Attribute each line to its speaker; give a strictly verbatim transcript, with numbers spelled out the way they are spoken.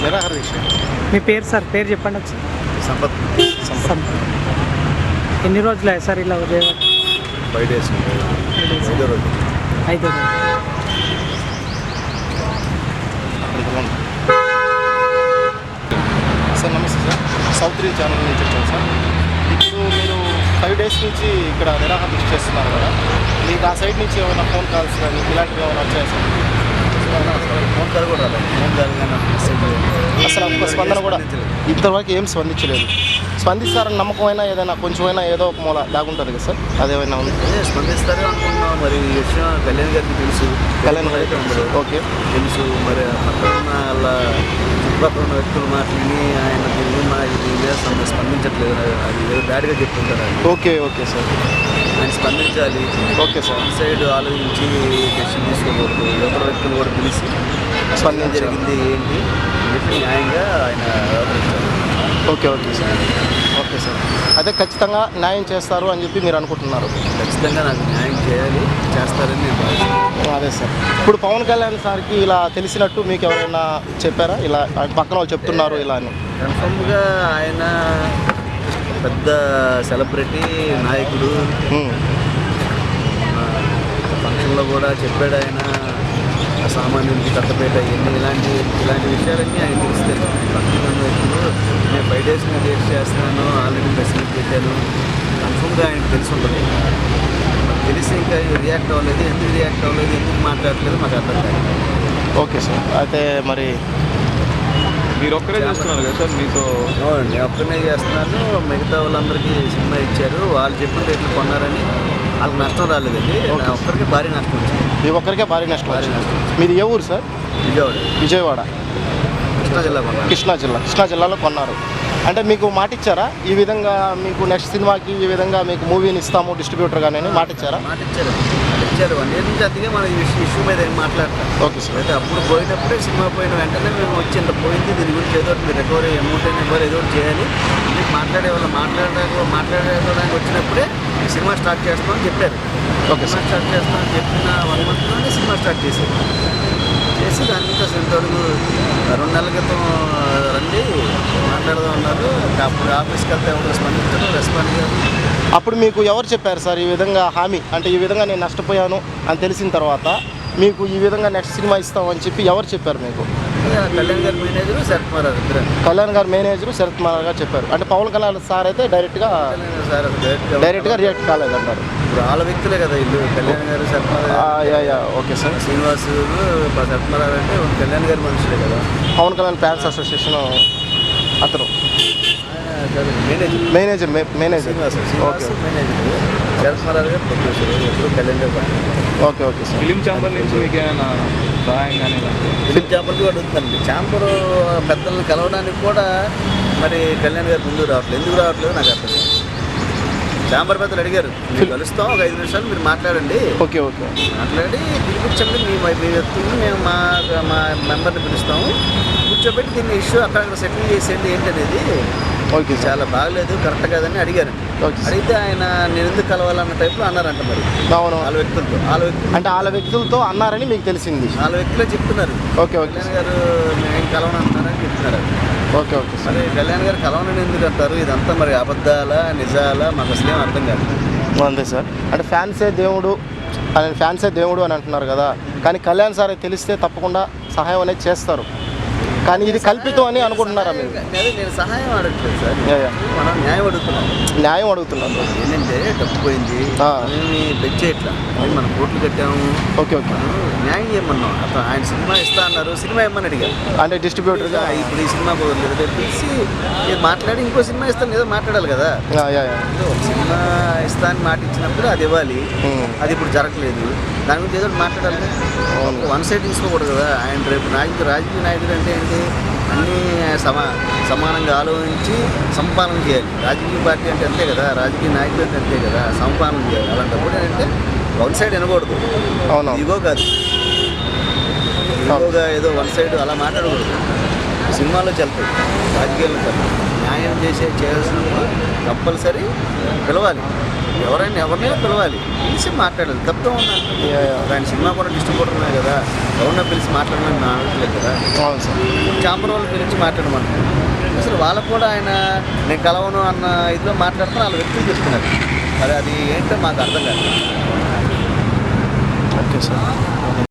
Speaker 1: నిరాహార దీక్ష.
Speaker 2: మీ పేరు సార్? పేరు చెప్పండి ఒకసారి.
Speaker 1: సంపత్.
Speaker 2: సంపత్. ఎన్ని రోజులు అయ్యాయి సార్ ఇలా ఉదయం?
Speaker 1: ఫైవ్ డేస్ ఐదో రోజు.
Speaker 2: ఐదో రోజు.
Speaker 1: సార్ నమస్తే సార్, సౌత్ త్రీ ఛానల్ నుంచి వచ్చాను సార్. ఇప్పుడు మీరు ఫైవ్ డేస్ నుంచి ఇక్కడ నిరాహార దీక్ష చేస్తున్నారు కదా, మీకు ఆ సైడ్ నుంచి ఏమైనా ఫోన్ కాల్స్ కానీ ఇలాంటివి ఏమైనా వచ్చాయి సార్? ఫోన్ కాల్ కూడా రాలేదు. ఫోన్ కాల్ కానీ అసలు ఒక స్పందన కూడా ఇంతవరకు ఏం స్పందించలేదు. స్పందిస్తారని నమ్మకం అయినా ఏదైనా కొంచెమైనా ఏదో ఒక మూల లాగుంటుంది కదా సార్, అదేమైనా ఉంది?
Speaker 3: స్పందిస్తారు అనుకున్నాం. మరి ఈ విషయం కళ్యాణ్ గారికి తెలుసు.
Speaker 1: కళ్యాణ్ గారికి ఓకే
Speaker 3: తెలుసు. మరి పక్కన ఉన్న వాళ్ళ చుట్టుపక్కల ఉన్న వ్యక్తులు మాట్లాడి ఆయన దీని మా దీని మీద స్పందించట్లేదు, అది ఏదో బ్యాడ్గా చెప్తుంటారు.
Speaker 1: ఓకే ఓకే సార్,
Speaker 3: ఆయన స్పందించాలి.
Speaker 1: Okay sir.
Speaker 3: ఈ సైడ్ ఆలోచించి డెసిషన్ తీసుకోకూడదు. ఎవరి వ్యక్తులు కూడా పిలిచి స్పందన జరిగింది ఏంటి చెప్పి న్యాయంగా ఆయన వ్యవహరించాలి.
Speaker 1: Okay okay sir. Okay sir, అయితే ఖచ్చితంగా న్యాయం చేస్తారు అని చెప్పి మీరు అనుకుంటున్నారు?
Speaker 3: ఖచ్చితంగా నాకు న్యాయం చేయాలి, చేస్తారని నేను భావిస్తున్నాను.
Speaker 1: అదే సార్. ఇప్పుడు పవన్ కళ్యాణ్ సార్కి ఇలా తెలిసినట్టు మీకు ఎవరైనా చెప్పారా? ఇలా పక్కన వాళ్ళు చెప్తున్నారు ఇలా అని?
Speaker 3: కన్ఫర్మ్గా ఆయన పెద్ద సెలబ్రిటీ నాయకుడు. ఫంక్షన్లో కూడా చెప్పాడు ఆయన సామాన్యుడికి కట్టపేట ఇవన్నీ ఇలాంటి ఇలాంటి విషయాలన్నీ ఆయన తెలుస్తాయి. పక్కన వ్యక్తులు నేను ఫైవ్ డేస్ నేను డేట్ చేస్తున్నాను, ఆల్రెడీ మెసేజ్ పెట్టాను, కన్ఫర్మ్గా ఆయనకు తెలిసి ఉంటుంది. తెలిసి ఇంకా రియాక్ట్ అవ్వలేదు. ఎందుకు రియాక్ట్ అవ్వలేదు, ఎందుకు మాట్లాడలేదు మాకు అర్థం కాదు.
Speaker 1: ఓకే సార్, అయితే మరి
Speaker 4: మీరు ఒక్కరే చేస్తున్నారు కదా సార్? మీతో
Speaker 3: నేను ఒక్కనే చేస్తున్నాను. మిగతా వాళ్ళందరికీ సినిమా ఇచ్చారు, వాళ్ళు చెప్పిన రేట్లు కొన్నారని వాళ్ళకి నష్టం రాలేదండి. ఒక్కరికి భారీ నష్టం వచ్చింది.
Speaker 1: మీ ఒక్కరికే భారీ నష్టం
Speaker 3: భారీ నష్టం.
Speaker 1: మీరు ఏ ఊరు సార్?
Speaker 3: విజయవాడ.
Speaker 1: విజయవాడ,
Speaker 3: కృష్ణా జిల్లా కొన్నారు.
Speaker 1: కృష్ణా జిల్లా. కృష్ణా జిల్లాలో కొన్నారు. అంటే మీకు మాట ఇచ్చారా ఈ విధంగా మీకు నెక్స్ట్ సినిమాకి ఈ విధంగా మీకు మూవీని ఇస్తాము డిస్ట్రిబ్యూటర్ కానీ మాట ఇచ్చారా?
Speaker 3: మాట ఇచ్చారు ఇచ్చారు వన్ ఇయర్ నుంచి అదిగే మన ఇష్యూ మీద ఏం మాట్లాడతాం.
Speaker 1: Okay sir.
Speaker 3: అయితే అప్పుడు పోయినప్పుడే సినిమా పోయిన వెంటనే మేము వచ్చి ఇంత పోయింది, దీని గురించి ఏదో మీరు రికవరీ అమౌంట్ అయినా ఇవ్వాలి, ఏదో చేయాలి మీకు మాట్లాడే వాళ్ళు మాట్లాడడానికి మాట్లాడడానికి వచ్చినప్పుడే సినిమా స్టార్ట్ చేస్తామని చెప్పారు.
Speaker 1: ఓకే
Speaker 3: సినిమా స్టార్ట్ చేస్తామని చెప్పిన వన్ మంత్లోనే సినిమా స్టార్ట్ చేశారు. చేసి దాని మీద ఇంతవరకు రెండు నెలల క్రితం రండి మాట్లాడదాం అన్నారు. అప్పుడు ఆఫీస్కి వెళ్తే ఎవరు స్పందించారు, రెస్పాండ్ కాదు.
Speaker 1: అప్పుడు మీకు ఎవరు చెప్పారు సార్ ఈ విధంగా హామీ? అంటే ఈ విధంగా నేను నష్టపోయాను అని తెలిసిన తర్వాత మీకు ఈ విధంగా నెక్స్ట్ సినిమా ఇస్తామని చెప్పి ఎవరు చెప్పారు మీకు?
Speaker 3: కళ్యాణ్ గారి మేనేజరు శరత్ కుమార్ ఇద్దరు.
Speaker 1: కళ్యాణ్ గారు మేనేజరు శరత్ కుమార్ గారు చెప్పారు. అంటే పవన్ కళ్యాణ్ సార్ అయితే డైరెక్ట్గా
Speaker 3: సార్
Speaker 1: డైరెక్ట్గా రియాక్ట్ కాలేదంటారు.
Speaker 3: ఇప్పుడు వాళ్ళ వ్యక్తులే కదా ఇల్లు. కళ్యాణ్ గారు శరత్ కుమార్.
Speaker 1: Okay sir.
Speaker 3: శ్రీనివాస్ శరత్ కుమార్ అంటే కళ్యాణ్ గారి మనుషులే కదా.
Speaker 1: పవన్ కళ్యాణ్ ఫ్యాన్స్ అసోసియేషన్ అతను
Speaker 3: manager
Speaker 1: manager manager
Speaker 3: Srinivas Srinivas manager. Sharath Kumar garu producer. ఎప్పుడు Kalyan garu.
Speaker 1: Okay okay sir.
Speaker 4: Film chamber నుంచి మీకు ఏమైనా సహాయం కానీ?
Speaker 3: ఫిలిం ఛాంబర్కి అడుగుతుందండి. ఛాంబర్ పెద్దలను కలవడానికి కూడా మరి కళ్యాణ్ గారు ముందుకు రావట్లేదు. ఎందుకు రావట్లేదు నాకు అర్థం. ఛాంబర్ పెద్దలు అడిగారు, మీరు కలుస్తాం ఒక ఐదు నిమిషాలు మీరు మాట్లాడండి.
Speaker 1: ఓకే ఓకే
Speaker 3: మాట్లాడి పిలిపించండి, మీ మీ వ్యక్తుల్ని మేము మా మా మెంబర్ని పిలుస్తాము, కూర్చోబెట్టి దీన్ని ఇష్యూ అక్కడ సెటిల్ చేసేయండి ఏంటనేది.
Speaker 1: Okay sir.
Speaker 3: చాలా బాగలేదు, కరెక్ట్ కాదని అడిగారు. అడిగితే ఆయన నేను ఎందుకు కలవాలన్న టైప్లో అన్నారంట. మరి
Speaker 1: అవును,
Speaker 3: వాళ్ళ వ్యక్తులతో వాళ్ళ వ్యక్తులు
Speaker 1: అంటే వాళ్ళ వ్యక్తులతో అన్నారని మీకు తెలిసింది?
Speaker 3: వాళ్ళ వ్యక్తులే చెప్తున్నారు.
Speaker 1: ఓకే ఓకే
Speaker 3: కళ్యాణ్ గారు మేము కలవనంటున్నారని చెప్తున్నారు.
Speaker 1: Okay okay sir.
Speaker 3: మరి కళ్యాణ్ గారు కలవనని ఎందుకు అంటారు? ఇదంతా మరి అబద్ధాలా నిజాలా మాకు అసలేం అర్థం కాదు.
Speaker 1: అంతే సార్. అంటే ఫ్యాన్సే దేవుడు అని ఫ్యాన్సే దేవుడు అని అంటున్నారు కదా, కానీ కళ్యాణ్ సార్ తెలిస్తే తప్పకుండా సహాయం అనేది చేస్తారు, కానీ ఇది కల్పితం అని అనుకుంటున్నారా మీరు?
Speaker 3: అదే నేను సహాయం అడగట్లేదు సార్, మనం న్యాయం అడుగుతున్నాం.
Speaker 1: న్యాయం అడుగుతున్నాను.
Speaker 3: ఏంటంటే డబ్బు పోయింది, మేము పెంచేయట్లా, మనం కోట్లు కట్టాము.
Speaker 1: ఓకే ఓకే,
Speaker 3: న్యాయం చేయమన్నాం. అతను ఆయన సినిమా ఇస్తా అన్నారు, సినిమా ఇమ్మని అడిగారు.
Speaker 1: అంటే డిస్ట్రిబ్యూటర్గా
Speaker 3: ఇప్పుడు ఈ సినిమా పోలేదు తెలిసి నేను మాట్లాడి ఇంకో సినిమా ఇస్తాను ఏదో మాట్లాడాలి కదా. సినిమా ఇస్తా అని మాట ఇచ్చినప్పుడు అది ఇవ్వాలి, అది ఇప్పుడు జరగలేదు. దాని గురించి ఏదో మాట్లాడాలి, వన్ సైడ్ తీసుకోకూడదు కదా. ఆయన రేపు నాయకుడు రాజకీయ నాయకుడు అంటే ఏంటి, అన్నీ సమా సమానంగా ఆలోచించి సంపాదన చేయాలి. రాజకీయ పార్టీ అంటే అంతే కదా, రాజకీయ నాయకుడు అంటే అంతే కదా, సంపాదన చేయాలి. అలాంటప్పుడు ఏంటంటే వన్ సైడ్ వినకూడదు.
Speaker 1: అవును,
Speaker 3: ఇగో కాదు, ఇగోగా ఏదో వన్ సైడ్ అలా మాట్లాడకూడదు. సినిమాలో చెల్తాయి, రాజకీయాల్లో చెల్తాయి. న్యాయం చేసే చేయాల్సిన కంపల్సరీ పిలవాలి. ఎవరైనా ఎవరినైనా పిలవాలి, పిలిచి మాట్లాడాలి, తప్పే ఉందంటే
Speaker 1: Yeah, yeah.
Speaker 3: ఆయన సినిమా కూడా డిస్ట్రిబ్యూటర్ ఉన్నాయి కదా, ఎవరన్నా పిలిచి మాట్లాడమని నా అనట్లేదు కదా.
Speaker 1: అవును సార్.
Speaker 3: చాంబర్ వాళ్ళు పిలిచి మాట్లాడమంటారు. అసలు వాళ్ళకు కూడా ఆయన నేను కలవను అన్న ఇదిలో మాట్లాడుతూ వాళ్ళ వ్యక్తులు చెప్తున్నారు. మరి అది ఏంటో మాకు అర్థం కాదు.
Speaker 1: Okay sir.